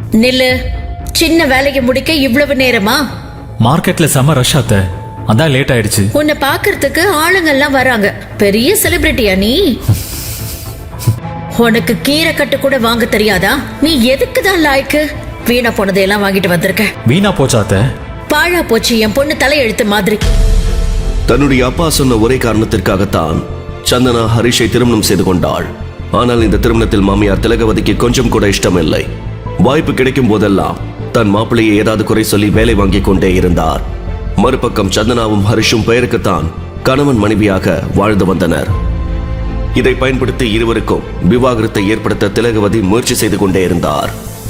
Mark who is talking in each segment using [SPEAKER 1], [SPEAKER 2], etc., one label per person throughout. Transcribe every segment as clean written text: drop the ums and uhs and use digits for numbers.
[SPEAKER 1] நில்லு. சின்ன வேலைக்கு முடிக்க இவ்வளவு நேரமா?
[SPEAKER 2] மார்க்கெட்ல செம ரஷ் ஆத்த, அதான் லேட் ஆயிடுச்சு.
[SPEAKER 1] உன்னை பாக்குறதுக்கு ஆளுங்கெல்லாம் வராங்க. பெரிய செலிபிரிட்டியா நீ? உனக்கு கீரை கட்டு கூட வாங்க தெரியாதா? நீ எதுக்கு தான் லாய்க்கு? வீணா போனதையெல்லாம் வாங்கிட்டு வந்திருக்க.
[SPEAKER 2] வீணா போச்சாத்த?
[SPEAKER 1] பாழா போச்சு என் பொண்ணு தலையெழுத்து மாதிரி.
[SPEAKER 3] தன்னுடைய அப்பா சொன்ன ஒரே காரணத்திற்காகத்தான் சந்தனா ஹரிஷை திருமணம் செய்து கொண்டாள். ஆனால் இந்த திருமணத்தில் மாமியார் திலகவதிக்கு கொஞ்சம் கூட இஷ்டமில்லை. வாய்ப்பு கிடைக்கும் போதெல்லாம் தன் மாப்பிள்ளையை ஏதாவது குறை சொல்லி வேலை வாங்கிக் கொண்டே இருந்தார். மறுபக்கம் சந்தனாவும் ஹரிஷும் பெயருக்குத்தான் கணவன் மனைவியாக வாழ்ந்து வந்தனர். இதை பயன்படுத்தி இருவருக்கும் விவாகரத்தை ஏற்படுத்த திலகவதி முயற்சி செய்து கொண்டே இருந்தார்.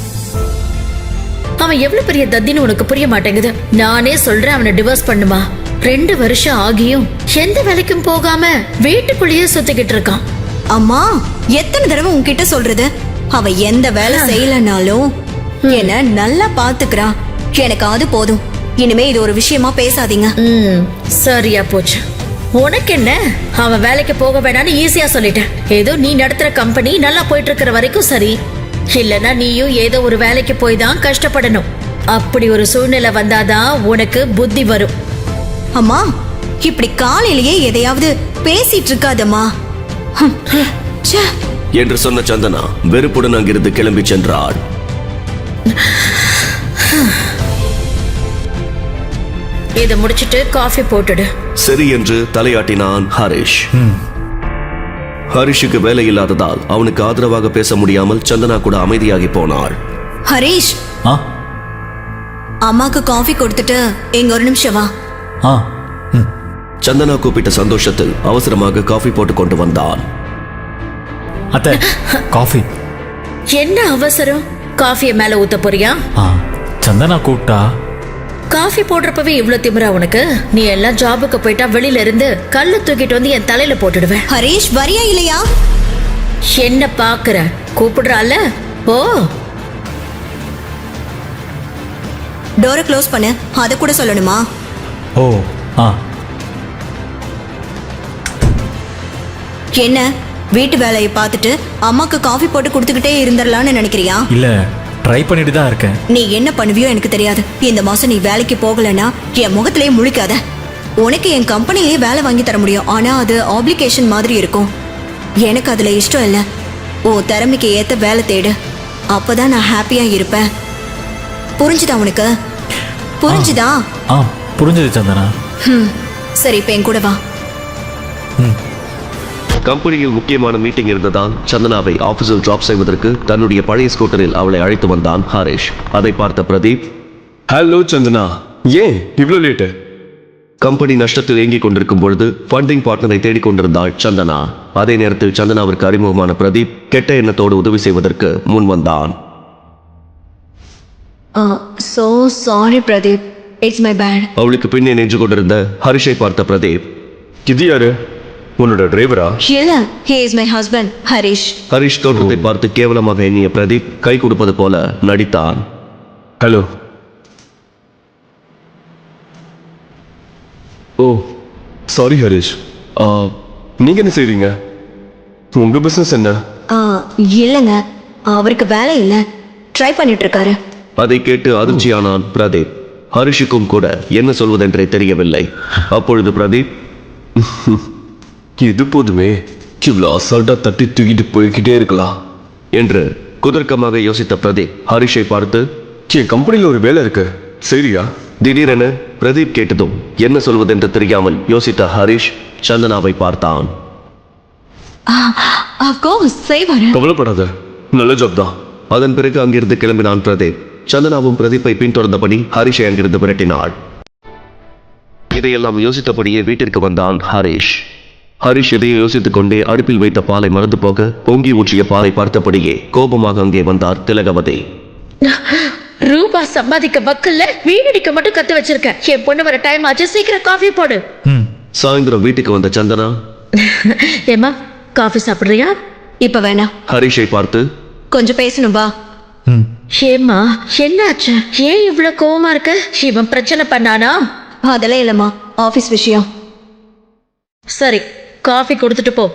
[SPEAKER 1] அவன் எவ்வளவு பெரிய தத்தின்னு உனக்கு புரிய மாட்டேங்குது. நானே சொல்றேன் அவனை டிவோர்ஸ் பண்ணுமா. 2 வருஷம் ஆகியும் எந்த வேலைக்கும் போகாம வீட்டுக்குள்ளேயே சுத்திக்கிட்டு இருக்கான்.
[SPEAKER 4] அம்மா, எத்தனை தடவை உன்கிட்ட சொல்றது? அவ எந்த வேலை செய்யலனாலும் என்ன நல்லா பாத்துக்கிறா. எனக்கு அது போதும். இனிமே இது ஒரு விஷயமா பேசாதீங்க.
[SPEAKER 1] சரியா போச்சு. உனக்கு என்ன? அவன் வேலைக்கு போக வேணான்னு ஈஸியா சொல்லிட்டேன். ஏதோ நீ நடத்துற கம்பெனி நல்லா போயிட்டு இருக்கிற வரைக்கும் சரி. இல்லனா நீயும் ஏதோ ஒரு வேலைக்கு போய் தான் கஷ்டப்படணும். அப்படி ஒரு சூழ்நிலை வந்தாதான் உனக்கு புத்தி வரும்.
[SPEAKER 4] அம்மா, இப்படி காலையிலேயே எதையாவது பேசிட்டு இருக்காதம்மா
[SPEAKER 3] என்று சொன்ன சந்தனா வெறுப்புடன் அங்கிருந்து கிளம்பி சென்றாள்.
[SPEAKER 1] இதை முடிச்சிட்டு காஃபி போட்டுடு.
[SPEAKER 3] சரி என்று தலையாட்டினான் ஹரிஷ். ஹரிஷுக்கு வேலை இல்லாததால் அவனுக்கு ஆதரவாக பேச முடியாமல் சந்தனா கூட அமைதியாகி போனாள்.
[SPEAKER 4] ஹரிஷ், அம்மாக்கு காஃபி கொடுத்துட்டு எங்க ஒரு நிமிஷம் வா.
[SPEAKER 3] சந்தனா கூப்பிட்ட சந்தோஷத்தில் அவசரமாக காஃபி போட்டு கொண்டு வந்தான்.
[SPEAKER 2] அத்தை, காஃபி.
[SPEAKER 1] என்ன அவசரம்? காஃபிய மேல ஊத்த போறியா?
[SPEAKER 2] சந்தனா கூப்பிட்டா.
[SPEAKER 1] காஃபி போடுறப்பவே இவ்வளவு திமிரா உனக்கு? நீ எல்லாம் ஜாபுக்கு போயிட்டா வெளியில இருந்து கல்ல தூக்கிட்டு வந்து என் தலையில போட்டுடுவேன்.
[SPEAKER 4] ஹரிஷ், வரியா இல்லையா?
[SPEAKER 1] என்ன பாக்குற? கூப்பிடுறால? ஓ,
[SPEAKER 4] டோரை க்ளோஸ் பண்ணு. அத கூட சொல்லணுமா?
[SPEAKER 2] ஓ,
[SPEAKER 4] என்ன வீட்டு வேலையை பார்த்துட்டு அம்மாக்கு காஃபி போட்டு கொடுத்துக்கிட்டே இருந்துடலான்னு நினைக்கிறியா?
[SPEAKER 2] இல்ல, ட்ரை பண்ணிட்டு தான் இருக்கேன்.
[SPEAKER 4] நீ என்ன பண்ணுவியோ எனக்கு தெரியாது. இந்த மாசம் நீ வேலைக்கு போகலன்னா என் முகத்திலேயே முழிக்காத. உனக்கு என் கம்பெனிலேயே வேலை வாங்கி தர முடியும். ஆனா அது ஆப்ளிகேஷன் மாதிரி இருக்கும். எனக்கு அதுல இஷ்டம் இல்லை. உன் திறமைக்கு ஏத்த வேலை தேடு. அப்பதான் நான் ஹாப்பியா இருப்பேன். புரிஞ்சுதா உனக்கு? புரிஞ்சுதா?
[SPEAKER 2] புரிஞ்சது சந்தனா.
[SPEAKER 4] சரி, இப்ப என் கூட வா.
[SPEAKER 3] கம்பெனியில் முக்கியமான மீட்டிங் இருந்ததால் சந்தனாவை ஆபீஸில் டிராப் செய்வதற்கு தன்னுடைய பழைய ஸ்கூட்டரில் அவளை அழைத்து வந்தான் ஹரிஷ். அதை பார்த்த பிரதீப்,
[SPEAKER 5] ஹலோ சந்தனா, ஏன் இவ்வளோ லேட்டு?
[SPEAKER 3] கம்பெனி நஷ்டத்தில் இயங்கிக் கொண்டிருக்கும் பொழுது ஃபண்டிங் பார்ட்னரை தேடிக்கொண்டிருந்தாள் சந்தனா. அதே நேரத்தில் சந்தனாவிற்கு அறிமுகமான பிரதீப் கெட்ட எண்ணத்தோடு உதவி செய்வதற்கு முன் வந்தான்.
[SPEAKER 4] So sorry Pradeep, it's my bad.
[SPEAKER 3] அவளுக்கு பின்னே நின்று கொண்டிருந்த ஹரிஷை பார்த்த பிரதீப்,
[SPEAKER 5] இது யாரு? உன்னோட டிரைவரா?
[SPEAKER 4] இல்ல, he is my husband, Harish.
[SPEAKER 3] Harish தோற்றத்தை பார்த்து கேவலமாக எண்ணிய பிரதீப் கை கொடுப்பது போல நடித்தான்.
[SPEAKER 5] ஹலோ. ஓ, சாரி ஹரிஷ். நீங்க என்ன செய்றீங்க? உங்க பிசினஸ் என்ன?
[SPEAKER 4] இல்லைங்க, அவருக்கு வேலை இல்லை, ட்ரை பண்ணிட்டு இருக்காரு.
[SPEAKER 3] அதை கேட்டு அதிர்ச்சியானான் பிரதீப். ஹரிஷுக்கும் கூட என்ன சொல்வதென்றே தெரியவில்லை. அப்பொழுது பிரதீப்,
[SPEAKER 5] இது போதுமே, இவ்வளோ அசால்ட்டா தட்டி தூக்கிட்டு போய்கிட்டே இருக்கலாம்
[SPEAKER 3] என்று குதர்க்கமாக யோசித்த பிரதீப் ஹரிஷை பார்த்து,
[SPEAKER 5] என் கம்பெனியில் ஒரு வேலை இருக்கு, சரியா?
[SPEAKER 3] திடீரென பிரதீப் கேட்டதும் என்ன சொல்வதென்று தெரியாமல் யோசித்த ஹரிஷ் சந்தனாவை பார்த்தான்.
[SPEAKER 5] கவலைப்படாத, நல்ல ஜாப் தான்.
[SPEAKER 3] அதன் பிறகு அங்கிருந்து கிளம்பினான் பிரதீப். சந்தனாவும் பிரதீப்பை பின்தொடர்ந்தபடி ஹரிஷை அங்கிருந்து விரட்டினாள். இதையெல்லாம் யோசித்தபடியே வீட்டிற்கு வந்தான் ஹரிஷ். ஹரிஷ் இதையே யோசித்துக் கொண்டே அடுப்பில் வைத்த பாலை மறந்து போக பொங்கி ஊற்றிய பாலை பார்த்தபடியே கோபமாக அங்கே வந்தார் திலகவதி.
[SPEAKER 1] ரூபா சம்பாதிக்க வக்கல்ல வீணடிக்க மட்டும் கத்து வச்சிருக்க. என் பொண்ணு வர டைம் ஆச்சு, சீக்கிரம் காஃபி போடு.
[SPEAKER 3] சாயந்தரம் வீட்டுக்கு வந்த சந்தனா,
[SPEAKER 1] ஏமா காஃபி சாப்பிடுறியா?
[SPEAKER 4] இப்ப வேணாம்.
[SPEAKER 3] ஹரிஷை பார்த்து,
[SPEAKER 4] கொஞ்சம் பேசணும் வா.
[SPEAKER 1] ஏமா என்னாச்சு? ஏன் இவ்வளவு கோவமா இருக்க? இவன் பிரச்சனை பண்ணானா?
[SPEAKER 4] அதெல்லாம் இல்லம்மா, ஆபீஸ் விஷயம்.
[SPEAKER 1] சரி, காஃபி கொடுத்துட்டு போ.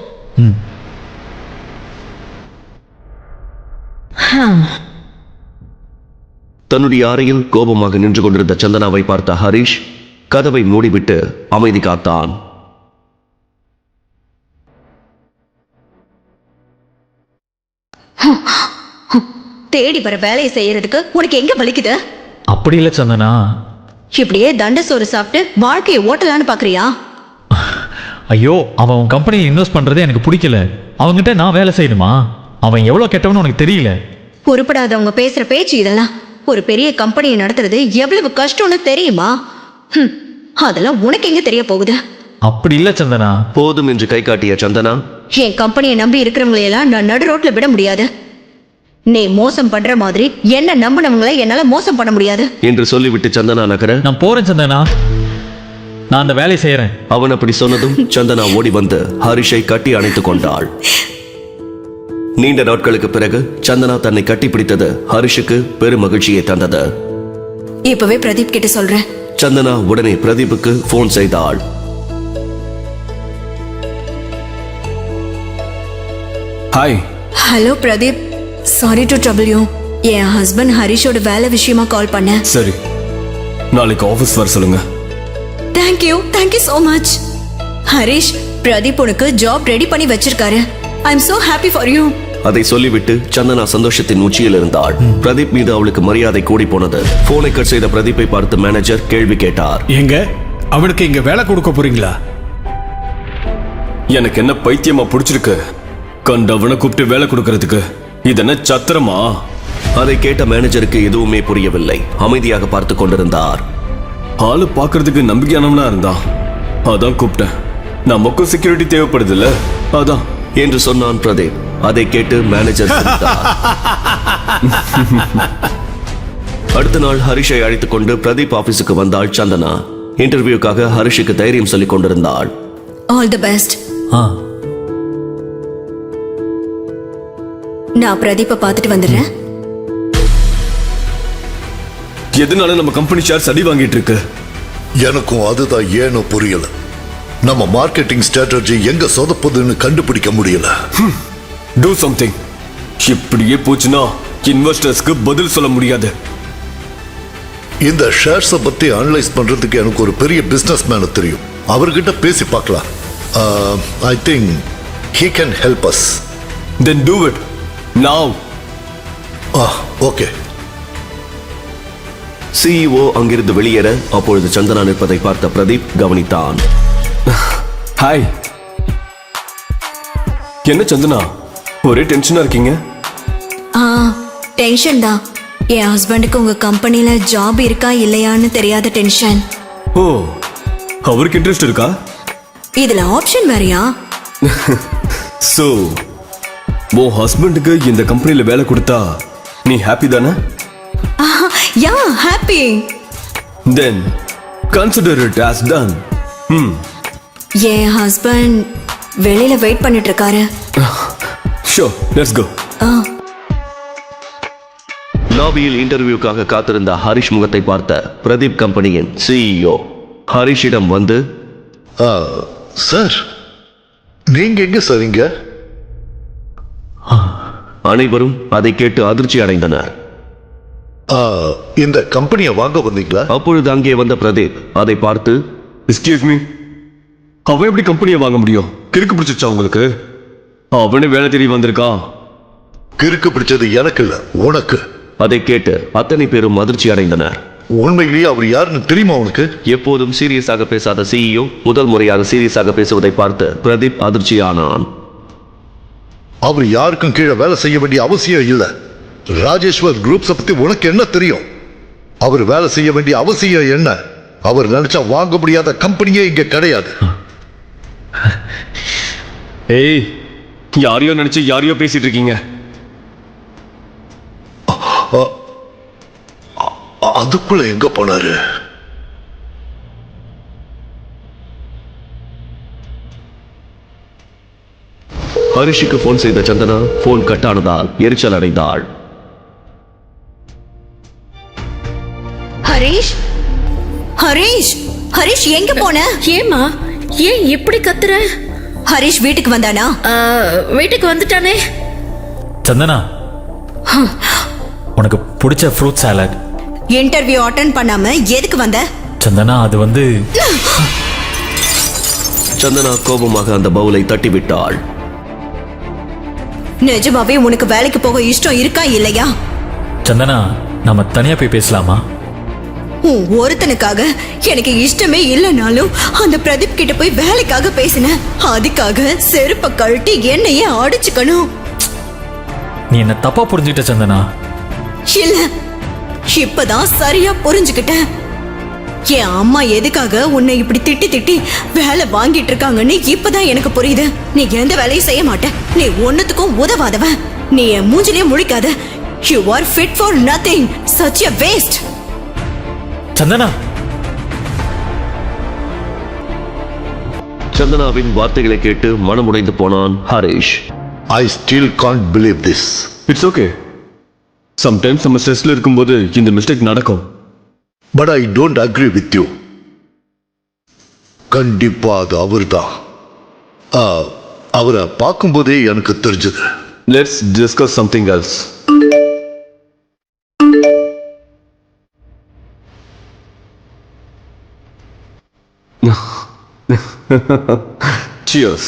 [SPEAKER 3] தன்னுடைய அறையில் கோபமாக நின்று கொண்டிருந்த சந்தனாவை பார்த்த ஹரிஷ் கதவை மூடிவிட்டு அமைதி காத்தான்.
[SPEAKER 4] தேடி வர வேலையை செய்யறதுக்கு உனக்கு எங்க வலிக்குது?
[SPEAKER 2] அப்படி இல்லை சந்தனா.
[SPEAKER 4] இப்படியே தண்ட சோறு சாப்பிட்டு வாழ்க்கையை ஓட்டலான்னு பாக்குறியா?
[SPEAKER 2] ஐயோ, அவன் உன் கம்பெனியில் இன்வெஸ்ட் பண்றதே எனக்கு பிடிக்கல. அவன்கிட்ட நான் வேலை செய்யணுமா? அவன் எவ்வளவு கெட்டவன்னு உனக்கு தெரியல.
[SPEAKER 4] உருப்படாதவங்க பேசுற பேச்சு இதெல்லாம். ஒரு பெரிய கம்பெனியை நடத்துறது எவ்வளவு கஷ்டம்னு தெரியுமா? அதெல்லாம் உனக்கு எங்க தெரிய போகுது?
[SPEAKER 2] அப்படி இல்லை சந்தனா.
[SPEAKER 3] போதும் என்று கை காட்டிய சந்தனா,
[SPEAKER 4] என் கம்பெனியை நம்பி இருக்கிறவங்களையெல்லாம் நான் நடு ரோட்ல விட முடியாது. நீ மோசம் பண்ற மாதிரி என்ன நம்பினவங்களை என்னால மோசம் பண்ண முடியாது
[SPEAKER 3] என்று சொல்லிவிட்டு சந்தனா நகர,
[SPEAKER 2] நான் போறேன் சந்தனா, நான் அந்த வேலையை செய்யறேன்.
[SPEAKER 3] அவன் அப்படி சொன்னதும் சந்தனா ஓடி வந்து ஹரிஷை கட்டி அணைத்துக் கொண்டாள். நீண்ட நாட்களுக்கு பிறகு சந்தனா தன்னை கட்டிப்பிடித்தது ஹரிஷுக்கு பெரும் மகிழ்ச்சியை தந்தது.
[SPEAKER 4] இப்பவே பிரதீப் கிட்ட சொல்றேன்.
[SPEAKER 3] சந்தனா உடனே பிரதீப்புக்கு போன் செய்தாள்.
[SPEAKER 6] Hi.
[SPEAKER 4] Hello Pradeep, sorry to trouble you. என் ஹஸ்பண்ட் ஹரிஷோட வேலை விஷயமா கால் பண்ணேன்.
[SPEAKER 6] சரி, நாளைக்கு ஆஃபீஸ் வர சொல்லுங்க.
[SPEAKER 4] Thank you so much. Harish, Pradeep உனக்கு ஜாப் ரெடி பண்ணி வச்சிருக்காரு. I am so happy for you.
[SPEAKER 3] அதை சொல்லிவிட்டு சந்தனா சந்தோஷத்தின் உச்சியில் இருந்தாள். பிரதீப் மீது அவளுக்கு மரியாதை கூடி போனது. போனை கட் செய்த பிரதீப்பை பார்த்து மேனேஜர் கேள்வி கேட்டார்.
[SPEAKER 7] எங்க அவனுக்கு இங்க வேலை கொடுக்க போறீங்களா?
[SPEAKER 6] எனக்கு என்ன பைத்தியமா பிடிச்சிருக்கு? கண்டவனை கூப்பிட்டு வேலை கொடுக்கறதுக்கு இது என்ன சத்திரமா?
[SPEAKER 3] அதை கேட்ட மேனேஜருக்கு எதுவுமே புரியவில்லை. அமைதியாக பார்த்து கொண்டிருந்தார்.
[SPEAKER 6] ஆளு பாக்குறதுக்கு நம்பிக்கையானவனா இருந்தான், அதான் கூப்பிட்டேன். நமக்கும் செக்யூரிட்டி தேவைப்படுது இல்ல, அதான்
[SPEAKER 3] என்று சொன்னான் பிரதீப். அதை கேட்டு மேனேஜர் சிரித்தார். அடுத்த நாள் ஹரிஷை அழைத்துக் கொண்டு பிரதீப் ஆபீஸுக்கு வந்தாள் சந்தனா. இன்டர்வியூக்காக ஹரிஷுக்கு தைரியம் சொல்லிக் கொண்டிருந்தாள்.
[SPEAKER 4] All the best.
[SPEAKER 2] ஆ,
[SPEAKER 4] நான் பிரதீப்பை பார்த்துட்டு வந்துடுறேன்.
[SPEAKER 6] எதனால நம்ம கம்பெனி ஷேர் அடி வாங்கிட்டு இருக்கு?
[SPEAKER 8] எனக்கும் அதுதான் ஏனோ புரியல. நம்ம மார்க்கெட்டிங் ஸ்ட்ராட்டஜி எங்க சொதப்புதுன்னு கண்டுபிடிக்க முடியல.
[SPEAKER 6] Do something. இப்படியே போச்சுன்னா இன்வெஸ்டர்ஸ்க்கு பதில் சொல்ல முடியாது.
[SPEAKER 8] இந்த ஷேர்ஸை பத்தி அனலைஸ் பண்றதுக்கு எனக்கு ஒரு பெரிய பிசினஸ் மேன தெரியும். அவர்கிட்ட பேசி பார்க்கலாம். I think he can help us.
[SPEAKER 6] Then do it now.
[SPEAKER 8] Okay.
[SPEAKER 3] CEO அங்கிருந்து வெளியேற அப்பொழுது சந்தனா நிற்பதை பார்த்த பிரதீப் கவனித்தான்.
[SPEAKER 6] ஹாய். என்ன சந்தனா, ஒரே டென்ஷனா இருக்கீங்க?
[SPEAKER 4] டென்ஷன் தான். என் ஹஸ்பண்டுக்கு உங்க கம்பெனில ஜாப் இருக்கா இல்லையான்னு தெரியாத டென்ஷன்.
[SPEAKER 6] ஓ, அவருக்கு இன்ட்ரெஸ்ட் இருக்கா?
[SPEAKER 4] இதுல ஆப்ஷன் வேறயா?
[SPEAKER 6] சோ உன் ஹஸ்பண்டுக்கு இந்த கம்பெனில வேலை கொடுத்தா நீ ஹாப்பி தானே?
[SPEAKER 4] Yeah, happy.
[SPEAKER 6] Then consider it as done.
[SPEAKER 4] என் ஹஸ்பண்ட் வெளியில வெயிட் பண்ணிட்டு இருக்காரு.
[SPEAKER 6] Sure, let's go.
[SPEAKER 3] லாபியில் இன்டர்வியூக்காக காத்திருந்த ஹரிஷ் முகத்தை பார்த்த பிரதீப் கம்பெனியின் சிஇஓ ஹரிஷிடம் வந்து,
[SPEAKER 8] சார், நீங்க எங்க சரிங்க?
[SPEAKER 3] அனைவரும் அதை கேட்டு அதிர்ச்சி அடைந்தனர்.
[SPEAKER 8] இந்த கம்பெனியை வாங்க வந்தீங்களா?
[SPEAKER 3] அப்பொழுது அங்கே வந்த பிரதீப் அதை பார்த்து,
[SPEAKER 6] எக்ஸ்கியூஸ் மீ, அவன் எப்படி கம்பெனியை வாங்க முடியும்? கிறுக்கு பிடிச்சிச்சா உங்களுக்கு? அவனே வேலை தேடி வந்திருக்கான்.
[SPEAKER 8] கிறுக்கு பிடிச்சது எனக்கு இல்ல, உனக்கு.
[SPEAKER 3] அதை கேட்டு அத்தனை பேரும் அதிர்ச்சி அடைந்தனர்.
[SPEAKER 8] உண்மையிலேயே அவர் யாருன்னு தெரியுமா உனக்கு?
[SPEAKER 3] எப்போதும் சீரியஸாக பேசாத சிஇஓ முதல் முறையாக சீரியஸாக பேசுவதை பார்த்து பிரதீப் அதிர்ச்சியானான்.
[SPEAKER 8] அவர் யாருக்கும் கீழே வேலை செய்ய வேண்டிய அவசியம் இல்லை. ராஜேஸ்வர் குரூப்ஸை பத்தி உனக்கு என்ன தெரியும்? அவர் வேலை செய்ய வேண்டிய அவசியம் என்ன? அவர் நினைச்சா வாங்க முடியாத கம்பெனியே இங்க கிடையாது.
[SPEAKER 6] ஏய், யாரையோ நினைச்சு யாரையோ பேசிட்டு இருக்கீங்க.
[SPEAKER 8] அதுக்குள்ள எங்க போனாரு?
[SPEAKER 3] ஹரிஷுக்கு போன் செய்த சந்தனா போன் கட்டானதால் எரிச்சல் அடைந்தாள்.
[SPEAKER 4] ஹரிஷ், ஹரிஷ், ஹரிஷ் எங்க போன?
[SPEAKER 1] ஏமா, ஏன் இப்படி கத்துற?
[SPEAKER 4] ஹரிஷ் வீட்டுக்கு வந்தானா?
[SPEAKER 1] வீட்டுக்கு வந்துட்டானே.
[SPEAKER 2] சந்தனா, உனக்கு பிடிச்ச ஃப்ரூட் சாலட்
[SPEAKER 4] இன்டர்வியூ அட்டென்ட் பண்ணாம எதுக்கு வந்த?
[SPEAKER 2] சந்தனா அது வந்து
[SPEAKER 3] சந்தனா கோபமாக அந்த பவுலை தட்டிவிட்டாள்.
[SPEAKER 4] நிஜமாவே உனக்கு வேலைக்கு போக இஷ்டம் இருக்கா இல்லையா?
[SPEAKER 2] சந்தனா நம்ம தனியா போய் பேசலாமா?
[SPEAKER 4] உன் ஒருத்தனுக்காக எனக்கு இஷ்டமே இல்லைனாலும் அந்த பிரதீப் கிட்ட போய் வேலைக்காக பேசின. அதுக்காக செருப்ப கழட்டி என்னையே அடிச்சுக்கணும்.
[SPEAKER 2] நீ என்ன தப்பா புரிஞ்சுக்கிட்ட சந்தனா.
[SPEAKER 4] இல்ல, இப்பதான் சரியா புரிஞ்சுக்கிட்டேன். என் அம்மா எதுக்காக உன்னை இப்படி திட்டி திட்டி வேலை வாங்கிட்டு இருக்காங்கன்னு இப்பதான் எனக்கு புரியுது. நீ எந்த வேலையும் செய்ய மாட்ட, நீ ஒன்னுத்துக்கும் உதவாதவன். நீ என் மூஞ்சிலே முழிக்காத. You are fit for nothing. Such a waste.
[SPEAKER 2] Santhana
[SPEAKER 3] சந்தனாவின் வார்த்தைகளை கேட்டு மனமுடைந்து போனான் Harish.
[SPEAKER 8] I still can't believe this.
[SPEAKER 6] It's okay. Sometimes நம்ம ஸ்ட்ரெஸ்ல இருக்கும்போது இந்த மிஸ்டேக் நடக்கும்.
[SPEAKER 8] But I don't agree with you. கண்டிப்பா அது அவர்தான். அவரை பார்க்கும்போதே எனக்கு தெரிஞ்சது.
[SPEAKER 6] Let's discuss something else. Cheers.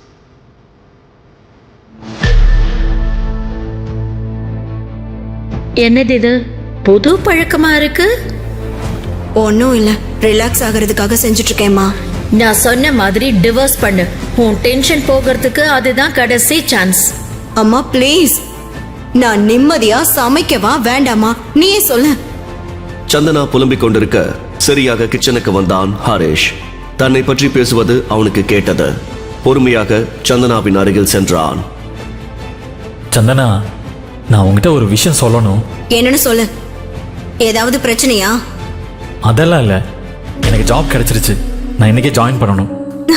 [SPEAKER 1] என்னது இது புது பழக்கமா இருக்கு?
[SPEAKER 4] ஒன்னும் இல்ல, ரிலாக்ஸ் ஆகிறதுக்காக செஞ்சுட்டு இருக்கேம்மா.
[SPEAKER 1] நான் சொன்ன மாதிரி டிவோர்ஸ் பண்ணு. உன் டென்ஷன் போகிறதுக்கு அதுதான் கடைசி சான்ஸ்.
[SPEAKER 4] அம்மா ப்ளீஸ், நான் நிம்மதியா சமைக்கவா வேண்டாமா நீயே சொல்லு.
[SPEAKER 3] சந்தனா புலம்பிக் கொண்டிருக்க சரியாக கிச்சனுக்கு வந்தான் ஹரிஷ். தன்னை பற்றி பேசுவது அவனுக்கு கேட்டது. பொறுமையாக சந்தனாவின் அருகில் சென்றான்.
[SPEAKER 2] சந்தனா நான் உங்ககிட்ட ஒரு விஷயம் சொல்லணும்.
[SPEAKER 4] என்னன்னு சொல்லு. ஏதாவது பிரச்சனையா?
[SPEAKER 2] அதெல்லாம் இல்லை, எனக்கு ஜாப் கிடைச்சிருச்சு. நான் இன்னைக்கே ஜாயின் பண்ணணும்.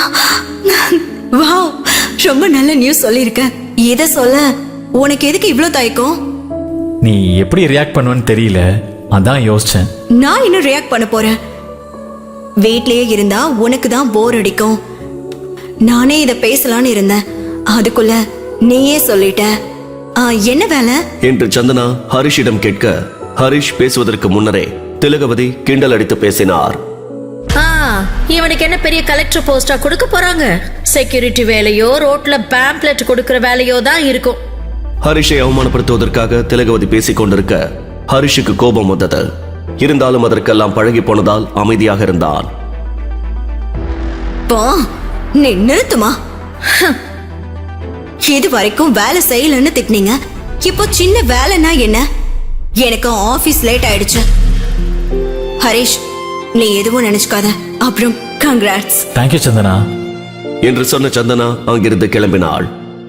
[SPEAKER 4] வாவ், ரொம்ப நல்ல நியூஸ் சொல்லியிருக்க. இத சொல்ல உனக்கு எதுக்கு இவ்ளோ தயக்கம்?
[SPEAKER 2] நீ எப்படி ரியாக்ட் பண்ணுவேன்னு தெரியல, அதான் யோசிச்சேன்.
[SPEAKER 4] நான் இன்னும் ரியாக்ட் பண்ண போறேன். வீட்லயே இருந்தா உனக்கு தான் போர் அடிக்கும். நானே இத பேசலான்னு இருந்தேன், அதுக்குள்ள நீயே சொல்லிட்ட. என்ன வேலை
[SPEAKER 3] என்று சந்தனா ஹரிஷிடம் கேட்க, ஹரிஷ் பேசுவதற்கு முன்னரே திலகவதி கிண்டல் அடித்து பேசினார்.
[SPEAKER 1] இவனுக்கு என்ன பெரிய கலெக்டர் போஸ்டா கொடுக்க போறாங்க? செக்யூரிட்டி வேலையோ ரோட்ல பேம்ப்ளெட் கொடுக்கிற வேலையோ தான் இருக்கும்.
[SPEAKER 3] ஹரிஷை அவமானப்படுத்துவதற்காக திலகவதி பேசிக் கொண்டிருக்க ஹரிஷுக்கு கோபம் வந்தது. இருந்தாலும் அதற்கெல்லாம் பழகி போனதால் அமைதியாக இருந்தான்.
[SPEAKER 4] நீ நிறுத்துமா? இது வரைக்கும் வேலை செய்யலன்னு திட்டினீங்க, இப்போ சின்ன வேலைன்னா என்ன? எனக்கு ஆபீஸ் லேட் ஆயிடுச்சு. ஹரிஷ், நீ எதுவும் நினைச்சுக்காத. அப்புறம் கங்க்ராட்ஸ்.
[SPEAKER 2] தேங்க்யூ சந்தனா
[SPEAKER 3] என்று சொன்ன சந்தனா அங்கிருந்து கிளம்பினாள்.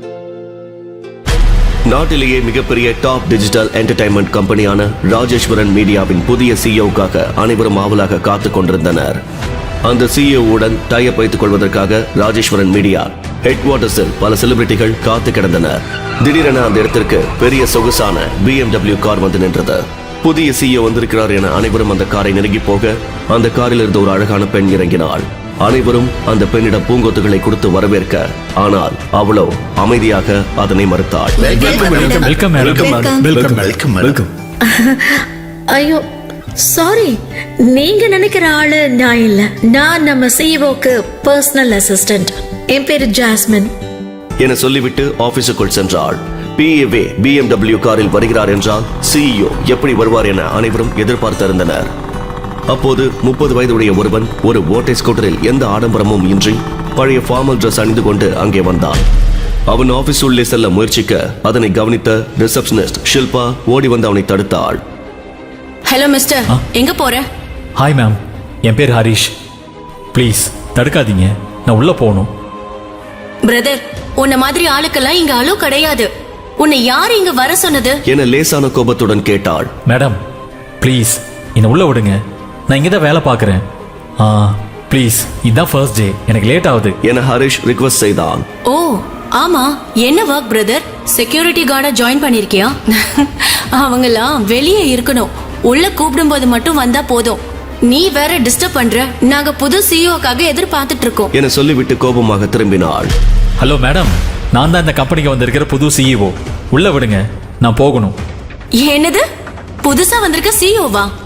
[SPEAKER 3] நாட்டிலேயே மிகப்பெரிய டாப் டிஜிட்டல் என்டர்டைன்மெண்ட் கம்பெனியான ராஜேஸ்வரன் மீடியாவின் புதிய சிஇஓக்காக அனைவரும் ஆவலாக காத்துக் கொண்டிருந்தனர். அந்த சிஇஓவுடன் டைப் வைத்துக் கொள்வதற்காக ராஜேஸ்வரன் மீடியா ஹெட் குவார்ட்டர்ஸில் பல செலிபிரிட்டிகள் காத்து கிடந்தனர். திடீரென அந்த இடத்திற்கு பெரிய சொகுசான BMW கார் வந்து நின்றது. புதிய சிஇஓ வந்திருக்கிறார் என அனைவரும் அந்த காரை நெருங்கி போக அந்த காரில் இருந்த ஒரு அழகான பெண் இறங்கினாள். அனைவரும் அந்த பெண்ணிடம் பூங்கொத்துகளை கொடுத்து வரவேற்க, ஆனால் அவளோ அமைதியாக அதனை மறுத்தாள்.
[SPEAKER 2] வெல்கம்.
[SPEAKER 1] ஐயோ சாரி, நீங்க நினைக்கிற ஆளு நான் இல்ல. நான் நம்ம சிஇஓக்கு பர்சனல் அசிஸ்டன்ட். என் பேரு ஜாஸ்மின்
[SPEAKER 3] என சொல்லிவிட்டு ஆபீஸுக்குள் சென்றாள். PA BMW காரில் வருகிறார் என்றால் சிஇஓ எப்படி வருவார் என அனைவரும் எதிர்பார்த்திருந்தனர். அப்போது 30 வயதுடைய ஒருவன் ஒரு ஓட்டை ஸ்கூட்டரில் எந்த ஆடம்பரமும் இன்றி பழைய ஃபார்மல் ட்ரெஸ் அணிந்து கொண்டு அங்கே வந்தான். அவன் ஆபீஸ் உள்ளே செல்ல முயற்சிக்க அதனை கவனித்த ரிசப்ஷனிஸ்ட் ஷில்பா ஓடி வந்து அவனை தடுத்தாள்.
[SPEAKER 9] ஹலோ மிஸ்டர், எங்க போற?
[SPEAKER 2] ஹாய் மேம், என் பேர் ஹரிஷ். ப்ளீஸ் தடுக்காதீங்க, நான் உள்ள போகணும்.
[SPEAKER 9] பிரதர், உன்ன மாதிரி ஆளுக்கெல்லாம் இங்க அலோ கிடையாது. உன்னை யார் இங்க வர சொன்னது
[SPEAKER 3] என லேசான கோபத்துடன் கேட்டாள்.
[SPEAKER 2] மேடம் ப்ளீஸ் என்னை உள்ள விடுங்க, நான் இங்கே தான் வேலை பார்க்குறேன். ப்ளீஸ், இதுதான் ஃபர்ஸ்ட் டே, எனக்கு லேட் ஆகுது
[SPEAKER 3] என ஹரிஷ் ரிக்வெஸ்ட் செய்தான்.
[SPEAKER 9] ஓ ஆமா, என்ன ஒர்க் பிரதர்? செக்யூரிட்டி கார்டா ஜாயின் பண்ணிருக்கியா? அவங்கெல்லாம் வெளியே இருக்கணும், உள்ள கூப்பிடும் போது மட்டும் வந்தா போதும். நீ வேற டிஸ்டர்ப் பண்ற. நாங்க புது சிஇஓக்காக எதிர்பார்த்துட்டு இருக்கோம்
[SPEAKER 3] என சொல்லிவிட்டு கோபமாக திரும்பினாள்.
[SPEAKER 2] ஹலோ மேடம், நான் தான் இந்த கம்பெனிக்கு வந்திருக்கிற புது சிஇஓ. உள்ள விடுங்க, நான் போகணும்.
[SPEAKER 9] என்னது, புதுசா வந்திருக்க சிஇஓவா?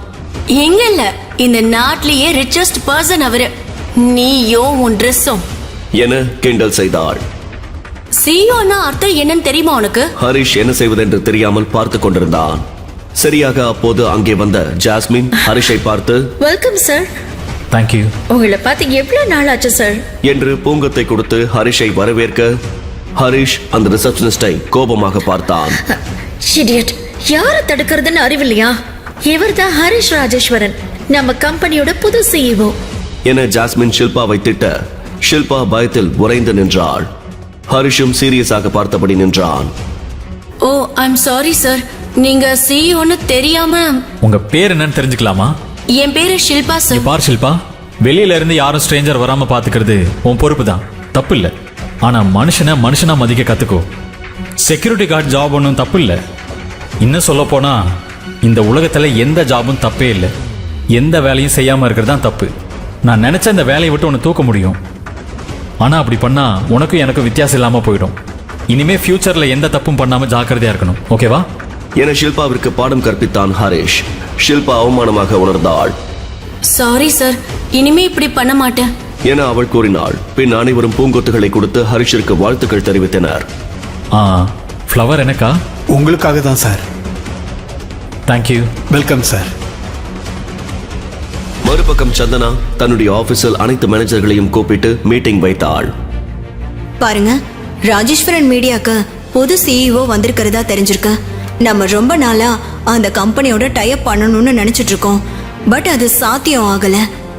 [SPEAKER 9] எங்க இல்ல இந்த நாட்டிலேயே ரிச்சஸ்ட் பர்சன் அவரு. நீயோ உன் ட்ரெஸ்ஸும்.
[SPEAKER 3] என கிண்டல் செய்தாள்.
[SPEAKER 9] சிஇஓன்னா அர்த்தம் என்னன்னு தெரியுமா உனக்கு?
[SPEAKER 3] ஹரிஷ் என்ன செய்வதென்று தெரியாமல் பார்த்து கொண்டிருந்தான். சரியாக அப்போது அங்கே வந்த ஜாஸ்மின் ஹரிஷை பார்த்து,
[SPEAKER 1] வெல்கம் சார்.
[SPEAKER 2] தேங்க்யூ.
[SPEAKER 1] உங்களை பார்த்து எவ்வளவு நாள் ஆச்சு சார்
[SPEAKER 3] என்று பூங்கத்தை கொடுத்து ஹரிஷை வரவேற்க ஹரிஷ் அந்த ரிசப்ஷனிஸ்டை கோபமாக பார்த்தான்.
[SPEAKER 1] இடியட், யார தடுக்கிறதுன்னு அறிவில்லையா? இவர்தான் ஹரிஷ் ராஜேஸ்வரன், நம்ம கம்பெனியோட புது சிஇஓ
[SPEAKER 3] என ஜாஸ்மின் ஷில்பாவை திட்ட ஷில்பா பயத்தில் உறைந்து நின்றாள். ஹரிஷும் சீரியஸாக பார்த்தபடி நின்றான்.
[SPEAKER 9] ஓ ஐம் சாரி சார், நீங்க சிஇஓன்னு தெரியாம.
[SPEAKER 2] உங்க பேர் என்னன்னு தெரிஞ்சுக்கலாமா?
[SPEAKER 9] என் பேரு ஷில்பா
[SPEAKER 2] நீ
[SPEAKER 9] சார்.
[SPEAKER 2] பார் ஷில்பா, வெளியில இருந்து யாரும் ஸ்ட்ரேஞ்சர் வராம பாத்துக்கிறது உன் பொறுப்பு தான், தப்பு இல்ல. ஆனா மனுஷனா மதிக்க கத்துக்கோ. செக்யூரிட்டி கார்டு ஜாப் ஒன்றும் தப்பு இல்ல. இன்னும் சொல்ல போனா இந்த உலகத்துல எந்த ஜாபும் தப்பே இல்லை. எந்த வேலையும் செய்யாம இருக்கிறது தான் தப்பு. நான் நினைச்ச இந்த வேலையை விட்டு உன்னை தூக்க முடியும். ஆனா அப்படி பண்ணா உனக்கும் எனக்கும் வித்தியாசம் இல்லாம போயிடும். இனிமே ஃபியூச்சர்ல எந்த தப்பும் பண்ணாம ஜாக்கிரதையா இருக்கணும், ஓகேவா?
[SPEAKER 3] என ஷில்பாவிற்கு பாடம் கற்பித்தான் ஹரிஷ். ஷில்பா அவமானமாக உணர்ந்தாள்.
[SPEAKER 9] சாரி சார், இனிமே இப்படி பண்ண மாட்டேன்
[SPEAKER 3] என அவள் கூறினாள். பின் அனைவரும் பூங்கொத்துகளை கொடுத்து ஹரிஷிற்கு வாழ்த்துக்கள் தெரிவித்தனர்.
[SPEAKER 2] ஃப்ளவர் எனக்கா?
[SPEAKER 7] உங்களுக்காக தான் சார்.
[SPEAKER 2] தேங்க்யூ.
[SPEAKER 7] Welcome sir.
[SPEAKER 3] மறுபக்கம் சந்தனா தன்னுடைய ஆபீஸில் அனைத்து மேனேஜர்களையும் கூப்பிட்டு மீட்டிங் வைத்தாள்.
[SPEAKER 4] பாருங்க, ராஜேஸ்வரன் மீடியாக்கு புது சிஇஓ வந்திருக்கிறதா தெரிஞ்சிருக்கு. நம்ம ரொம்ப நாளா அந்த கம்பெனியோட டைப் பண்ணணும்னு நினைச்சிட்டு இருக்கோம். பட் அது சாத்தியம் ஆகல.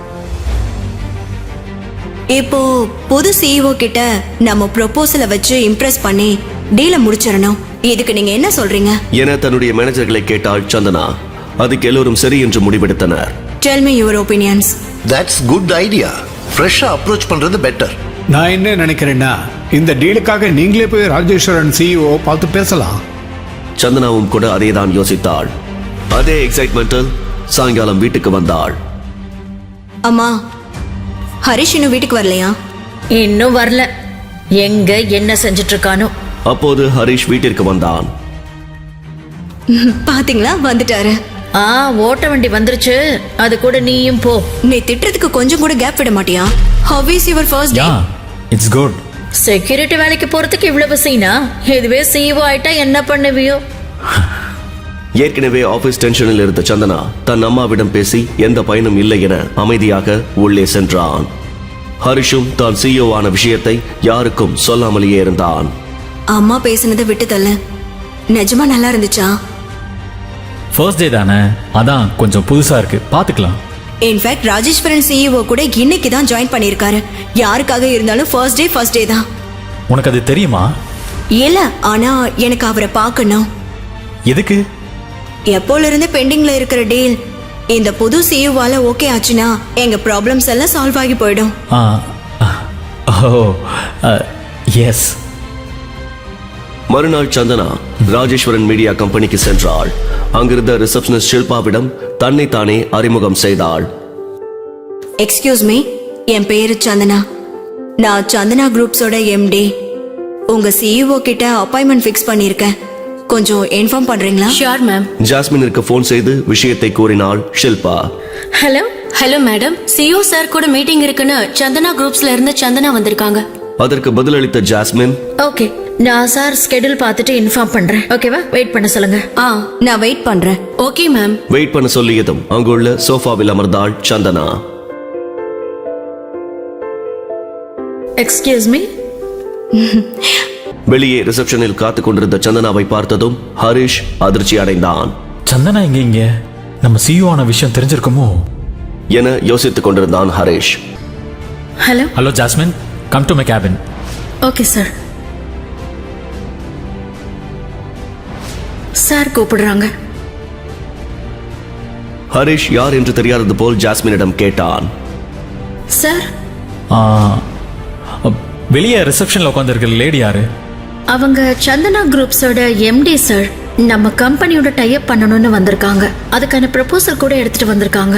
[SPEAKER 4] இப்போ புது சிஇஓ கிட்ட நம்ம ப்ரொபோசலை வச்சு இம்ப்ரெஸ் பண்ணி டீலை முடிச்சிடணும். இதுக்கு நீங்க என்ன சொல்றீங்க?
[SPEAKER 3] என தன்னுடைய மேனேஜர்களை கேட்டாள் சந்தனா. அதுக்கு எல்லோரும் சரி என்று முடிவெடுத்தனர்.
[SPEAKER 4] Tell me your opinions.
[SPEAKER 8] That's good idea. ஃப்ரெஷ்ஷாக அப்ரோச் பண்ணுறது பெட்டர்.
[SPEAKER 7] நான் என்ன நினைக்கிறேன்னா, இந்த டீலுக்காக நீங்களே போய் ராஜேஸ்வரன் சிஇஓ பார்த்து பேசலாம்.
[SPEAKER 3] சந்தனாவும் கூட அதேதான் யோசித்தாள். அதே எக்ஸைட்மெண்டில் சாயங்காலம் வீட்டுக்கு வந்தாள்.
[SPEAKER 4] அம்மா, ஹரிஷ் இன்னும் வீட்டுக்கு வரலையா?
[SPEAKER 1] இன்னும் வரல. எங்க என்ன செஞ்சிட்டு இருக்கானோ.
[SPEAKER 3] அப்போது ஹரிஷ் வீட்டிற்கு வந்தான்.
[SPEAKER 4] பாத்தீங்களா, வந்துட்டாரு.
[SPEAKER 1] ஓட்ட வண்டி வந்துருச்சு, அது கூட நீயும் போ.
[SPEAKER 4] நீ திட்டுறதுக்கு கொஞ்சம் கூட கேப் விட மாட்டியா? How is your first day?
[SPEAKER 2] It's good.
[SPEAKER 1] Security வேலைக்கு போறதுக்கு இவ்வளவு சீனா? இதுவே சிஇஓ ஆயிட்டா என்ன பண்ணுவியோ?
[SPEAKER 3] ஏற்கனவே ஆபீஸ் டென்ஷனில் இருந்த சந்தனா தன் அம்மாவிடம் பேசி எந்த பயனும் இல்லை என அமைதியாக உள்ளே சென்றான். ஹரிஷும் தான் சிஇஓ ஆன விஷயத்தை யாருக்கும் சொல்லாமலேயே இருந்தான்.
[SPEAKER 4] அம்மா பேசுனதை விட்டு தள்ள. நிஜமா நல்லா இருந்துச்சா?
[SPEAKER 2] ஃபர்ஸ்ட் டே தானே, அதான் கொஞ்சம் புதுசா இருக்கு, பாத்துக்கலாம்.
[SPEAKER 4] இன்ஃபேக்ட் ராஜேஸ்வரன் சிஇஓ கூட இன்னைக்கு தான் ஜாயின் பண்ணியிருக்காரு. யாருக்காக இருந்தாலும் ஃபர்ஸ்ட் டே தான்.
[SPEAKER 2] உனக்கு அது தெரியுமா?
[SPEAKER 4] இல்ல, ஆனா எனக்கு அவரை பார்க்கணும்.
[SPEAKER 2] எதுக்கு?
[SPEAKER 4] எப்போல இருந்து பெண்டிங்ல இருக்கிற டீல் இந்த புது சிஇஓவால ஓகே ஆச்சுன்னா எங்க ப்ராப்ளம்ஸ் எல்லாம் சால்வ் ஆகி போயிடும்.
[SPEAKER 2] எஸ்.
[SPEAKER 3] மறுநாள் சந்தனா ராஜேஸ்வரன் மீடியா கம்பெனிக்கு சென்றாள். அங்கிருந்த ரிசப்ஷனிஸ்ட் ஷில்பாவிடம் தன்னை தானே அறிமுகம் செய்தாள்.
[SPEAKER 4] எக்ஸ்கியூஸ் மீ, என் பேரு சந்தனா. நான் சந்தனா குரூப்ஸோட எம்டி. உங்க சிஇஓ கிட்ட அப்பாயின்மெண்ட் ஃபிக்ஸ் பண்ணியிருக்கேன். கொஞ்சம் இன்ஃபார்ம் பண்றீங்களா?
[SPEAKER 9] Sure ma'am.
[SPEAKER 3] ஜாஸ்மினிற்கு போன் செய்து விஷயத்தை கூறினாள் Shilpa.
[SPEAKER 1] Hello.
[SPEAKER 9] Hello madam, CEO sir கூட மீட்டிங் இருக்குன்னு சந்தனா குரூப்ஸ்ல இருந்து சந்தனா வந்திருக்காங்க.
[SPEAKER 3] அதற்கு பதிலளித்த ஜாஸ்மின்,
[SPEAKER 1] ஓகே, நான் சார் ஸ்கெடியூல் பார்த்துட்டு இன்ஃபார்ம் பண்றேன். ஓகேவா? வெயிட் பண்ண சொல்லுங்க.
[SPEAKER 4] நான் வெயிட் பண்றேன்.
[SPEAKER 9] Okay ma'am.
[SPEAKER 3] வெயிட் பண்ண சொல்லியதும் அங்குள்ள சோஃபாவில் அமர்ந்தாள் சந்தனா.
[SPEAKER 1] Excuse me.
[SPEAKER 3] வெளியே ரிசப்ஷனில் காத்துக் கொண்டிருந்த சந்தனாவை பார்த்ததும் ஹரிஷ் அதிர்ச்சி அடைந்தான்.
[SPEAKER 2] சந்தனா இங்க நம்ம சிஇஓ ஆன விஷயம் தெரிஞ்சிருக்குமோ
[SPEAKER 3] என யோசித்துக் கொண்டிருந்தான் Harish.
[SPEAKER 1] Hello.
[SPEAKER 2] Hello Jasmine, come to my cabin.
[SPEAKER 1] Okay sir. Sir கூப்பிடுறாங்க.
[SPEAKER 3] ஹரிஷ் யார் என்று தெரியாதது போல் ஜாஸ்மினிடம் கேட்டான்.
[SPEAKER 1] சார்,
[SPEAKER 2] வெளியே ரிசப்ஷன்ல உட்காந்துருக்கிற லேடி யாரு?
[SPEAKER 1] அவங்க சந்தனா குரூப்ஸோட எம்டி சார். நம்ம கம்பெனியோட டைப் பண்ணணும்னு வந்திருக்காங்க. அதுக்கான ப்ரொபோசல் கூட எடுத்துட்டு வந்திருக்காங்க.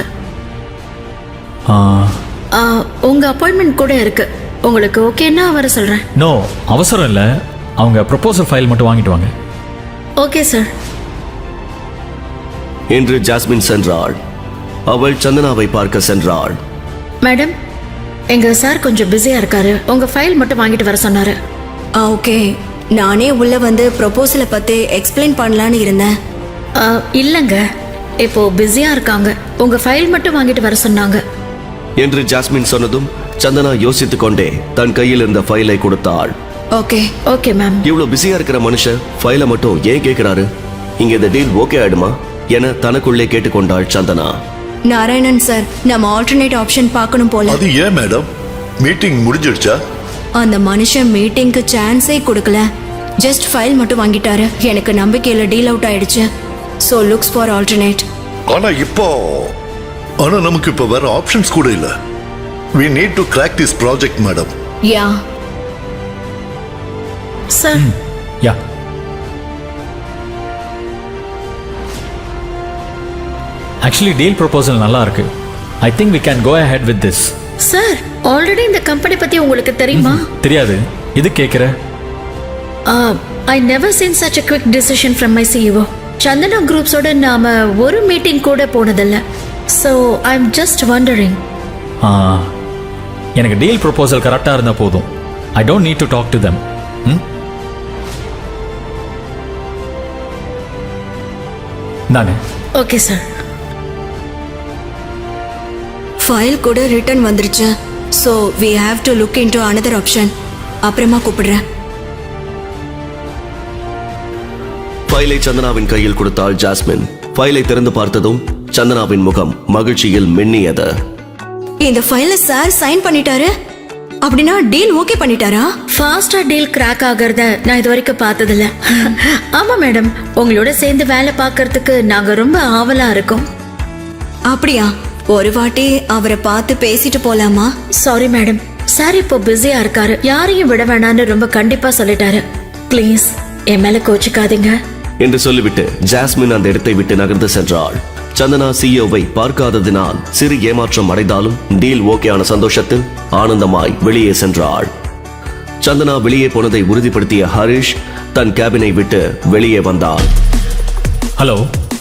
[SPEAKER 1] உங்க அப்பாயின்மெண்ட் கூட இருக்கு. உங்களுக்கு ஓகேன்னா வர சொல்றேன்.
[SPEAKER 2] நோ, அவசரம் இல்லை. அவங்க ப்ரொபோசல் ஃபைல் மட்டும் வாங்கிட்டு வாங்க.
[SPEAKER 1] Okay sir.
[SPEAKER 3] என்று ஜாஸ்மின் சென்றாள். அவள் சந்தனாவை பார்க்க சென்றாள்.
[SPEAKER 1] மேடம், எங்க சார் கொஞ்சம் பிஸியா இருக்காரு. உங்க ஃபைல் மட்டும் வாங்கிட்டு வர சொன்னாரு.
[SPEAKER 4] ஓகே, நானே உள்ள வந்து ப்ரொபோசலை பத்தி எக்ஸ்பிளைன் பண்ணலான்னு இருந்தேன்.
[SPEAKER 1] இல்லங்க, இப்போ பிஸியா இருக்காங்க. உங்க ஃபைல் மட்டும் வாங்கிட்டு வர சொன்னாங்க
[SPEAKER 3] என்று ஜாஸ்மின் சொன்னதும் சந்தனா யோசித்துக் கொண்டே தன் கையில் இருந்த ஃபைலை கொடுத்தாள்.
[SPEAKER 4] Okay
[SPEAKER 1] okay ma'am.
[SPEAKER 3] இவ்வளவு பிஸியா இருக்கிற மனுஷன் ஃபைலை மட்டும் ஏன் கேட்கிறாரு? இங்க இந்த டீல் ஓகே ஆயிடுமா என தனக்குள்ளே கேட்டுக்கொண்டாள் சந்தனா.
[SPEAKER 4] நாராயணன் சார், நம்ம ஆல்டர்னேட் ஆப்ஷன் பார்க்கணும் போல.
[SPEAKER 8] அது ஏன் மேடம்? மீட்டிங் முடிஞ்சிடுச்சா?
[SPEAKER 4] அந்த மனுஷன் மீட்டிங்க்கு சான்ஸே கொடுக்கல. ஜஸ்ட் ஃபைல் மட்டும் வாங்கிட்டாரு. எனக்கு நம்பிக்கையில டீல் அவுட் ஆயிடுச்சு. So looks for alternate.
[SPEAKER 8] ஆனா நமக்கு இப்போ வேற ஆப்ஷன்ஸ் கூட இல்ல. We need to crack this project, madam.
[SPEAKER 4] Yeah
[SPEAKER 1] sir,
[SPEAKER 2] yeah, actually deal proposal நல்லா இருக்கு. I think we can go ahead with this.
[SPEAKER 1] Sir, already இந்த கம்பெனி பத்தி உங்களுக்கு தெரியுமா?
[SPEAKER 2] தெரியாது, இது கேட்குற.
[SPEAKER 1] I never seen such a quick decision from my CEO. Chandana குரூப்ஸோட நாம ஒரு மீட்டிங் கூட போனதில்ல. So I am just wondering.
[SPEAKER 2] எனக்கு டீல் ப்ரொபோசல் கரெக்டாக இருந்தால் போதும். I don't need to talk to them. தானே?
[SPEAKER 1] Okay sir.
[SPEAKER 4] ஃபைல் கூட ரிட்டர்ன் வந்துருச்சு. So we have to look into another option. அப்புறமா கூப்பிடுறேன்.
[SPEAKER 3] ஃபைலை சந்தனாவின் கையில் கொடுத்தாள் ஜாஸ்மின். ஃபைலை திறந்து பார்த்ததும் சந்தனாவின் முகம் மகிழ்ச்சியில் மின்னியது.
[SPEAKER 4] இந்த ஃபைல சார் சைன் பண்ணிட்டாரு. அப்படின்னா டீல் ஓகே பண்ணிட்டாரா?
[SPEAKER 1] ஃபாஸ்டா டீல் கிராக் ஆகிறத நான் இது வரைக்கும் பார்த்ததில்ல. ஆமா மேடம், உங்களோட சேர்ந்து வேலை பார்க்கறதுக்கு நாங்க ரொம்ப ஆவலா இருக்கோம்.
[SPEAKER 4] அப்படியா? ஒரு வாட்டி அவரை பார்த்து பேசிட்டு போலாமா?
[SPEAKER 1] சாரி மேடம், சார் இப்போ பிஸியா இருக்காரு. யாரையும் விட வேணான்னு ரொம்ப கண்டிப்பா சொல்லிட்டாரு. ப்ளீஸ் என் மேல கோச்சிக்காதீங்க
[SPEAKER 3] என்று சொல்லிவிட்டு ஜாஸ்மின் அந்த இடத்தை விட்டு நகர்ந்து சென்றாள். சந்தனா சிஇஓவை பார்க்காததினால் சிறு ஏமாற்றம் அடைந்தாலும் டீல் ஓகேயான சந்தோஷத்தில் ஆனந்தமாய் வெளியே சென்றாள். சந்தனா வெளியே போனதை உறுதிப்படுத்திய ஹரிஷ் தன் கேபினை விட்டு வெளியே வந்தாள்.
[SPEAKER 2] ஹலோ,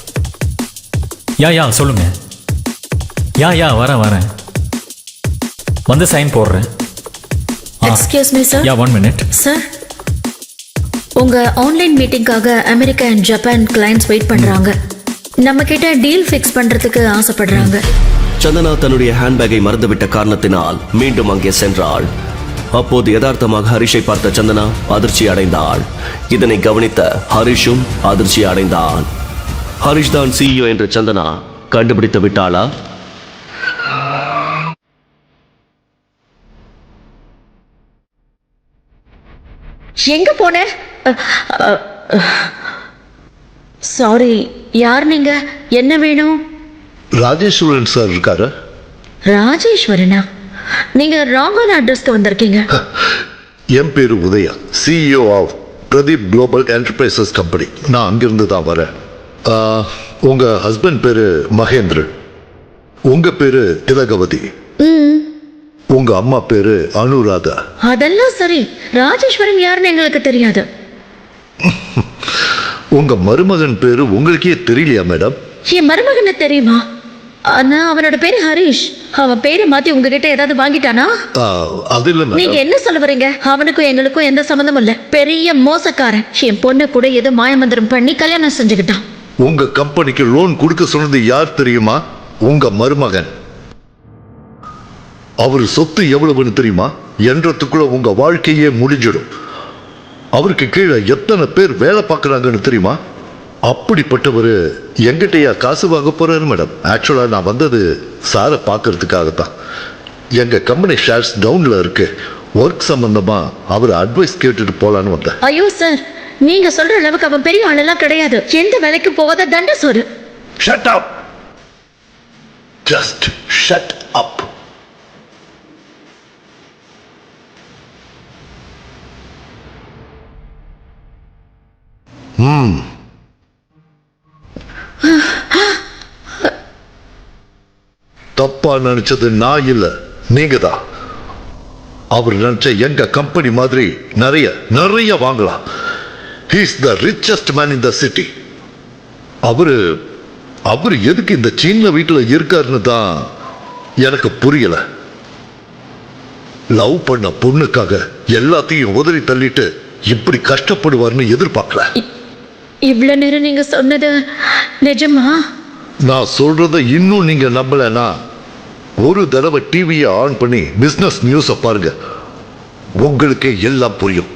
[SPEAKER 2] யா சொல்லுங்க. யா வரேன். வந்து சைன் போடுறேன்.
[SPEAKER 1] Excuse me sir.
[SPEAKER 2] Yeah, 1 minute.
[SPEAKER 1] Sir, உங்க ஆன்லைன் மீட்டிங்காக America and Japan clients wait பண்றாங்க. நம்ம கிட்ட டீல் ஃபிக்ஸ் பண்றதுக்கு ஆசைப்படுறாங்க.
[SPEAKER 3] சந்தனா தன்னுடைய ஹேண்ட்பேக்கை மறந்துவிட்ட காரணத்தினால் மீண்டும் அங்கே சென்றாள். அப்போது யதார்த்தமாக ஹரிஷை பார்த்த சந்தனா அதிர்ச்சி அடைந்தாள். இதனை கவனித்த ஹரிஷும் அதிர்ச்சி அடைந்தான். ஹரிஷ் தான் சிஇஓ என்று சந்தனா கண்டுபிடித்து விட்டாளா?
[SPEAKER 1] எங்க போன? சாரி, யார் நீங்க? என்ன வேணும்?
[SPEAKER 8] ராஜேஸ்வரன் சார் இருக்காரு?
[SPEAKER 1] ராஜேஸ்வரனா? நீங்க ராங்கான அட்ரஸ்க்கு வந்திருக்கீங்க.
[SPEAKER 8] என் பேரு Udaya, CEO of Pradeep global enterprises company. நான் அங்கிருந்து தான் வரேன். உங்க ஹஸ்பண்ட் பேரு மகேந்திரன், உங்க பேரு திலகவதி, உங்க அம்மா பேரு அனுராதா.
[SPEAKER 1] அதெல்லாம் சரி, ராஜேஸ்வரன் யாருன்னு எங்களுக்கு தெரியாது.
[SPEAKER 8] உங்க மருமகன் பேரு உங்களுக்கே தெரியலையா மேடம்?
[SPEAKER 1] என் மருமகனை தெரியுமா? ஆனா அவனோட பேரு ஹரிஷ். அவன் பேரை மாத்தி உங்ககிட்ட ஏதாவது வாங்கிட்டானா?
[SPEAKER 8] அது இல்ல
[SPEAKER 1] நீங்க
[SPEAKER 8] மேடம்.
[SPEAKER 1] என்ன சொல்ல வரீங்க? அவனுக்கும் எங்களுக்கும் எந்த சம்மந்தமும் இல்ல. பெரிய மோசக்காரன். என் பொண்ணு கூட ஏதோ மாயமந்திரம் பண்ணி கல்யாணம் செஞ்சுக்கிட்டான்.
[SPEAKER 8] உங்க கம்பெனிக்கு லோன் கொடுக்க சொன்னது யார் தெரியுமா? உங்க மருமகன். அவர் சொத்து எவ்வளவுன்னு தெரியுமா? என்றதுக்குள்ள உங்க வாழ்க்கையே முடிஞ்சிடும். அவருக்கு கீழே எத்தனை பேர் வேலை பார்க்கறாங்கன்னு தெரியுமா? அப்படிப்பட்டவர் எங்கிட்டயா காசு வாங்க போறாரு மேடம்? ஆக்சுவலா நான் வந்தது சாரை பார்க்கறதுக்காகத்தான். எங்க கம்பெனி ஷேர்ஸ் டவுன்ல இருக்கு. ஒர்க் சம்பந்தமா அவர் அட்வைஸ் கேட்டுட்டு போலான்னு வந்தேன்.
[SPEAKER 1] ஐயோ சார், நீங்க சொல்ற அளவுக்கு அவன் பெரிய ஆளெல்லாம் கிடையாது. எந்த வேலைக்கு போகாத தண்ட சோறு.
[SPEAKER 8] Shut up. Just shut up. தப்பா நினைச்சது நான் இல்ல, நீங்க தான். அவர் நினைச்ச எங்க கம்பெனி மாதிரி நிறைய நிறைய வாங்கலாம். He is the richest man in the city. அவரு அவர் எதுக்கு இந்த சின்ன வீட்டுல இருக்காருன்னு தான் எனக்கு புரியல. லவ் பண்ண பொண்ணுக்காக எல்லாத்தையும் உதறி தள்ளிட்டு இப்படி கஷ்டப்படுவார்னு எதிர்பார்க்கல.
[SPEAKER 1] இவ்வளவு நேரம் நீங்க சொன்னது நிஜமா?
[SPEAKER 8] நான் சொல்றத இன்னும் நீங்க நம்பலனா ஒரு தடவை டிவியை ஆன் பண்ணி பிசினஸ் நியூஸ பாருங்க, உங்களுக்கே எல்லாம் புரியும்.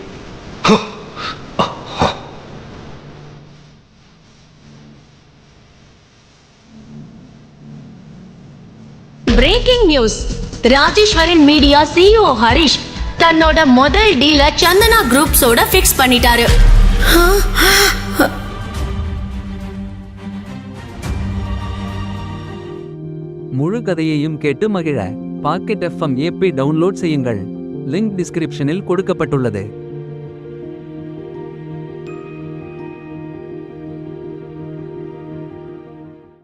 [SPEAKER 9] Breaking news. Rajeswaran media CEO Harish தன்னோட முதல் டீல சந்தனா குரூப்ஸோட ஃபிக்ஸ் பண்ணிட்டாரு.
[SPEAKER 10] முழு கதையையும் கேட்டு மகிழ பாக்கெட் FM APP டவுன்லோட் செய்யுங்கள். லிங்க் டிஸ்கிரிப்ஷனில் கொடுக்கப்பட்டுள்ளது.